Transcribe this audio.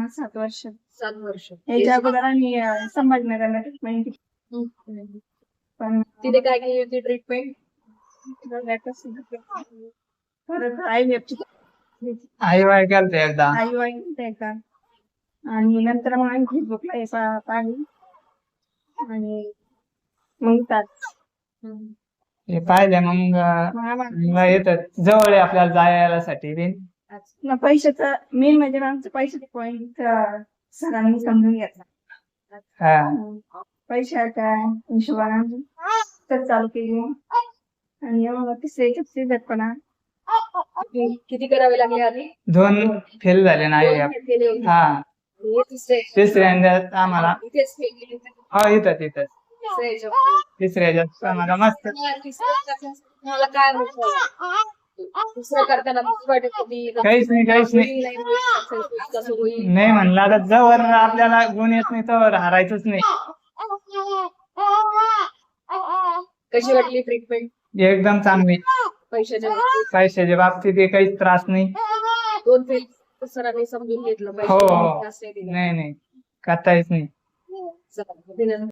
7 वर्ष. 7 वर्ष. याच्या अगोदर आम्ही संभाजीनगरला ट्रीटमेंट केली. पण तिथे काय केली होती ट्रीटमेंट? परत IVF IVF केलं एकदा. एकदा आणि नंतर मग आम्ही फेसबुकला हे पाहिली आणि मग हे पाहिले मग येतात जवळ आहे आपल्याला जायसाठी बिन. पैशाचा मेन म्हणजे आमचं पैशाचे पॉईंट सरांनी समजून घेतला. पैशाच्या हिशोबाने तर चालू केली आणि मग तिसरे झटपणा किती करावे लागले आधी? 2 फेल झाले ना IVF. हा तिसऱ्यांदा आम्हाला इथंच तिसऱ्या ह्याच्यात आम्हाला मस्त. मला काय दुसरं करताना काहीच नाही नाही म्हणलं आता जवळ आपल्याला गुण येत नाही तर हारायचंच नाही. कशी वाटली ट्रीटमेंट? एकदम चांगली. पैशाच्या बाबतीत काहीच त्रास नाही. 2 फेल सरांनी समजून घेतलं. हो नाही करता येत नाही.